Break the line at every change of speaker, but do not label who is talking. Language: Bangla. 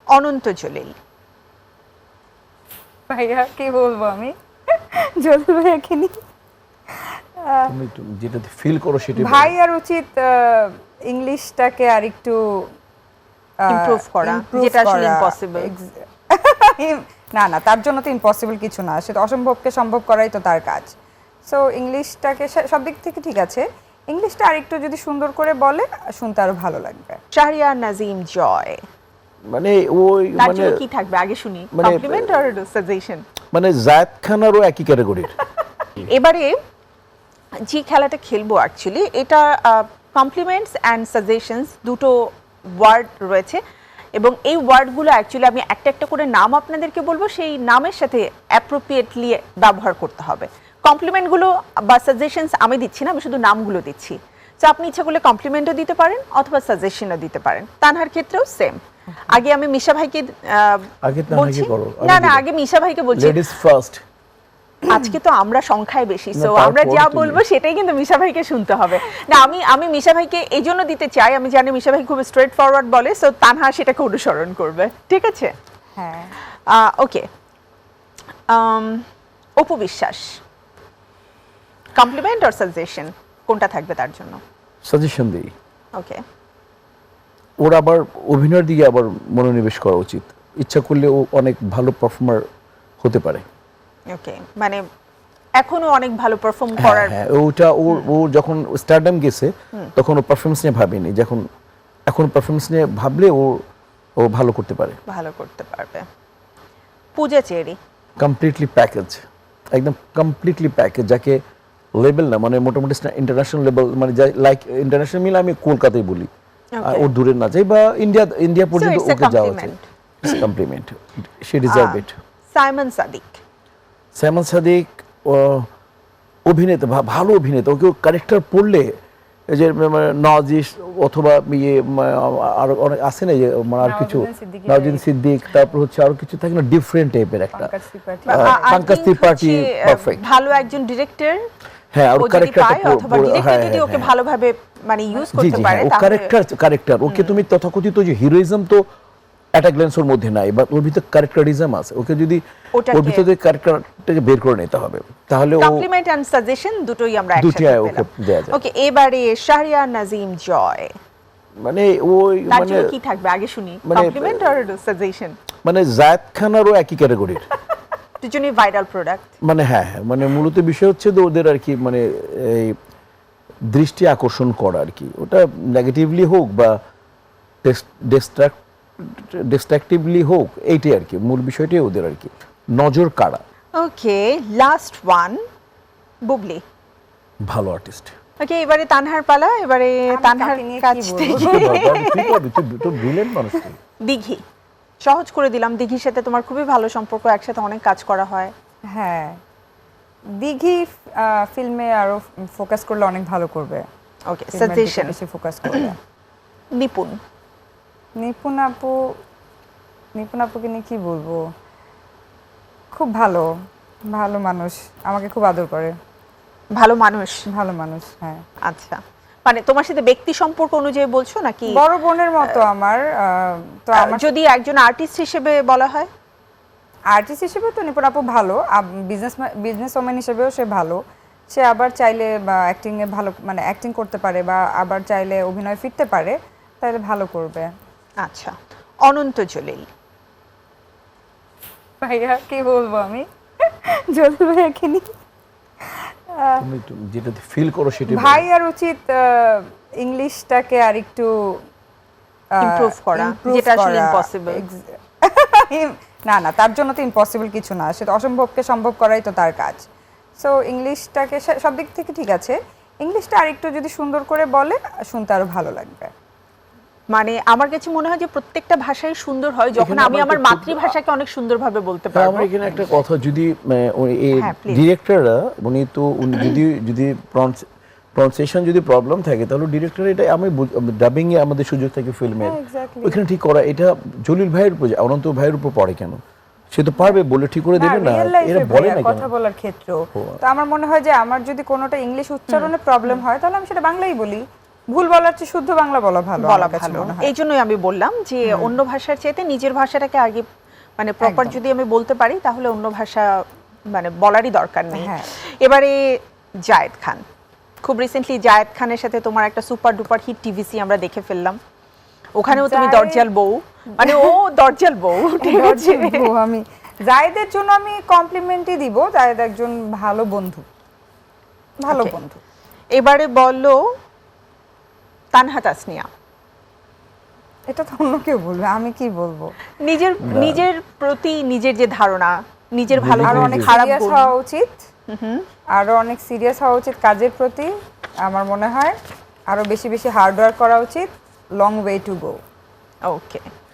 অনন্ত জলিল।
ভাইয়া কি বলবো আমি, জলিল ভাইয়াকে নিয়ে
তুমি যেটা ফিল করো সেটা
ভাইয়ার উচিত ইংলিশটাকে আর একটু
ইমপ্রুভ করা, যেটা আসলে ইম্পসিবল।
না না, তার জন্য তো ইম্পসিবল কিছু না, সেটা অসম্ভবকে সম্ভব করাই তো তার কাজ। সো ইংলিশটাকে সব দিক থেকে ঠিক আছে, ইংলিশটা আরেকটু যদি সুন্দর করে বলে শুনতে আরো ভালো লাগবে।
শাহরিয়ার নাজিম জয়,
মানে ওই
তার
মানে
জন্য কি থাকবে আগে শুনি,
মানে-
কমপ্লিমেন্ট আর সাজেশন?
মানে জায়েদ খানারও একই ক্যাটাগরির।
এবারে যে খেলাটা খেলবো অ্যাকচুয়ালি এটা কমপ্লিমেন্টস অ্যান্ড সাজেশনস দুটো ওয়ার্ড রয়েছে, এবং এই ওয়ার্ডগুলো অ্যাকচুয়ালি আমি একটা একটা করে নাম আপনাদেরকে বলবো, সেই নামের সাথে অ্যাপ্রোপ্রিয়েটলি ব্যবহার করতে হবে। কমপ্লিমেন্টগুলো বা সাজেশনস আমি দিচ্ছি না, আমি শুধু নামগুলো দিচ্ছি। তো আপনি ইচ্ছা করলে কমপ্লিমেন্টও দিতে পারেন অথবা সাজেশনও দিতে পারেন। তানহার ক্ষেত্রেও সেম। আগে আমি মিশা ভাইকে
আগে তানহাকে
বলছি,
করো,
না
আগে
না
দিও।
আগে মিশা ভাইকে বলছি।
Ladies first.
আজকে তো আমরা সংখ্যায় বেশি,
না,
সো
তারপর
আমরা যা
তুমি-
বলবো সেটাই কিন্তু মিশা ভাইকে শুনতে হবে। না আমি মিশা ভাইকে এই জন্য দিতে চাই, আমি জানি মিশা ভাই খুব স্ট্রেট ফরওয়ার্ড বলে, সো তানহা সেটাকে অনুসরণ করবে। ঠিক আছে,
হ্যাঁ
ওকে। অপু বিশ্বাস, কমপ্লিমেন্ট অর সাজেশন কোনটা থাকবে তার জন্য?
সাজেশন দিই।
ওকে,
ওর আবার অভিনয়ের দিকে আবার মনোনিবেশ করা উচিত। ইচ্ছা করলে ও অনেক ভালো পারফর্মার হতে পারে।
ওকে, মানে এখনো অনেক ভালো পারফর্ম
হ্যাঁ
করার।
হ্যাঁ, ওটা ও যখন স্টারডাম গেছে তখন ও পারফরমেন্স নিয়ে ভাবেনি, যখন এখন পারফরমেন্স নিয়ে ভাবলে ও ভালো করতে পারে।
ভালো করতে পারবে। পূজা চেরি,
কমপ্লিটলি প্যাকেজ, একদম কমপ্লিটলি প্যাকেজ, যাকে লেভেল না মানে মোটামুটি ইন্টারন্যাশনাল লেভেল, মানে ইলাইক ইন্টারন্যাশনাল মিলে আমি কলকাতায় বলি, আর ও দূরে না যাই বা ইন্ডিয়া পর্যন্ত
it's a
ওকে যাওয়া উচিত।
compliment.
Compliment, she deserve it.
Symon Sadik,
Symon Sadik অভিনেতা, ভালো অভিনেতা। ওকে ক্যারেক্টার পড়লে এই যে নওয়াজিস অথবা ইয়ে আর অনেক আছে না, যে মানে আর কিছু নওয়াজুদ্দিন সিদ্দিক, তারপর হচ্ছে আরো কিছু থাকে না, ডিফারেন্ট টাইপের একটা
পঙ্কজ ত্রিপাঠী।
পঙ্কজ ত্রিপাঠী, পারফেক্ট।
ভালো একজন ডিরেক্টর,
হ্যাঁ, আর
ও যদি
ক্যারেক্টারটা
পায় অথবা ডিরেক্টর যদি ওকে ভালোভাবে মানে ইউজ
জি
করতে
জি,
পারে,
হ্যাঁ, ও
তাহলে
ক্যারেক্টার ওকে তুমি তথাকথিত যে হিরোইজম তো অ্যাট গ্ল্যান্স ওর মধ্যে নাই, বাট ওর ভিতরে ক্যারেক্টারিজম আছে। ওকে যদি
ওটাকে-
ওর ভিতরে ক্যারেক্টারটাকে বের করে নিতে হবে, তাহলে ও
কমপ্লিমেন্ট এন্ড সাজেশন দুটোই আমরা
দুটোই
একসাথে
ওকে
পেলাম।
দেয়া যায়।
ওকে, এবারে শাহরিয়ার নাজিম জয়,
মানে ওই
তার
মানে
জন্য কি থাকবে আগে শুনি,
মানে-
কমপ্লিমেন্ট আর সাজেশন?
মানে জায়েদ খানারও একই ক্যাটাগরির।
দুজনেই ভাইরাল প্রোডাক্ট।
মানে হ্যাঁ, মানে মূলত বিষয় হচ্ছে যে ওদের আর কি মানে এই দৃষ্টি আকর্ষণ করা আর কি, ওটা নেগেটিভলি হোক বা ডিস্ট্রাকটিভলি হোক, এইটাই আর কি মূল বিষয়টাই ওদের আর কি নজর কাড়া।
Okay, last one, Bubly.
ভালো আর্টিস্ট।
ওকে, এবারে তানহার পালা। এবারে তানহার
তাকে নিয়ে কি
কাছ
বলবো?
থেকে
তো ব্রিলিয়েন্ট মানুষ।
দিঘি, সহজ করে দিলাম। দিঘির সাথে তোমার খুবই ভালো সম্পর্ক, একসাথে অনেক কাজ করা হয়।
হ্যাঁ, দিঘি ফিল্মে আরো ফোকাস করলে অনেক ভালো করবে।
ওকে,
ফিল্মের দিকে
সাজেশন।
বেশি ফোকাস করলে।
নিপুণ,
নিপুণ আপুকে নিয়ে কি বলবো, খুব ভালো ভালো মানুষ, আমাকে খুব আদর করে।
ভালো মানুষ।
ভালো মানুষ, হ্যাঁ।
আচ্ছা, মানে তোমার সাথে ব্যক্তি সম্পর্ক অনুযায়ী বলছো নাকি?
বড় বোনের মতো আমার। তো আমার
যদি একজন আর্টিস্ট হিসেবে বলা হয়?
আর্টিস্ট হিসেবে তো নিপুণ আপু ভালো, বিজনেস ওম্যান হিসেবেও সে ভালো। সে আবার চাইলে বা অ্যাক্টিং এ ভালো, মানে অ্যাক্টিং করতে পারে, বা আবার চাইলে অভিনয় ফিরতে পারে, তাহলে ভালো করবে।
আচ্ছা, অনন্ত জলিল।
ভাইয়া কি বলবো আমি, জলিল ভাইয়াকে নিয়ে
তুমি যেটা ফিল করো সেটা
ভাইয়ার উচিত ইংলিশটাকে আর একটু
ইমপ্রুভ করা, যেটা আসলে ইম্পসিবল।
না না, তার জন্য তো ইম্পসিবল কিছু না, সেটা অসম্ভবকে সম্ভব করাই তো তার কাজ। সো ইংলিশটাকে সব দিক থেকে ঠিক আছে, ইংলিশটা আরেকটু যদি সুন্দর করে বলে শুনতে আরো ভালো লাগবে।
মানে আমার কাছে মনে হয় যে প্রত্যেকটা ভাষাই সুন্দর হয় যখন
এখানে
আমি
আমার
আমার
একটু-
মাতৃভাষাকে অনেক সুন্দরভাবে বলতে
হ্যাঁ,
পারবো।
আমার এখানে একটা কথা, যদি
হ্যাঁ, please.
ডিরেক্টররা উনি তো যদি প্রনাউন্সিয়েশন যদি প্রবলেম থাকে, তাহলে ডিরেক্টর এটা আমি ডাবিং এ আমাদের সুযোগ থাকে ফিল্মের,
হ্যাঁ, exactly.
ওইখানে ঠিক করা। এটা জলিল ভাইয়ের উপর, অনন্ত ভাইয়ের উপর পড়ে কেন? সে তো পারবে, বলে ঠিক করে দেবে না,
real life
এরা
এ
বলে
ভাইয়া,
না কেন?
কথা বলার ক্ষেত্র তো আমার মনে হয় যে আমার যদি কোনোটা ইংলিশ উচ্চারণে প্রবলেম হয়, তাহলে আমি সেটা বাংলাই বলি। ভুল বলার চেয়ে শুদ্ধ বাংলা বলা ভালো
বলা
আমার কাছে
ভালো
মনে হয়।
এই জন্যই আমি বললাম যে অন্য ভাষার চাইতে নিজের ভাষাটাকে আগে মানে প্রপার
একদম।
যদি আমি বলতে পারি তাহলে অন্য ভাষা মানে বলারই দরকার নেই।
হ্যাঁ।
এবারে জায়েদ খান, খুব রিসেন্টলি জায়েদ খানের সাথে তোমার একটা সুপার ডুপার হিট টিভিসি আমরা দেখে ফেললাম, ওখানেও তুমি
জায়েদ-
দরজাল বউ, মানে ও দরজাল বউ, ঠিক আছে?
আমি জায়েদের জন্য আমি কমপ্লিমেন্টই দিব, জায়েদ একজন ভালো বন্ধু, ভালো
Okay.
বন্ধু।
এবারে বললো তানহা তাসনিয়া,
এটা তো অন্য কেউ বলবে, আমি কি বলবো।
নিজের নিজের প্রতি নিজের যে ধারণা, নিজের ভালো
আরো
গুণ,
অনেক
খারাপ
সিরিয়াস
গুণ,
হওয়া উচিত, আরো অনেক সিরিয়াস হওয়া উচিত কাজের প্রতি আমার মনে হয়, আরো বেশি বেশি হার্ড ওয়ার্ক করা উচিত, long way to go.
Okay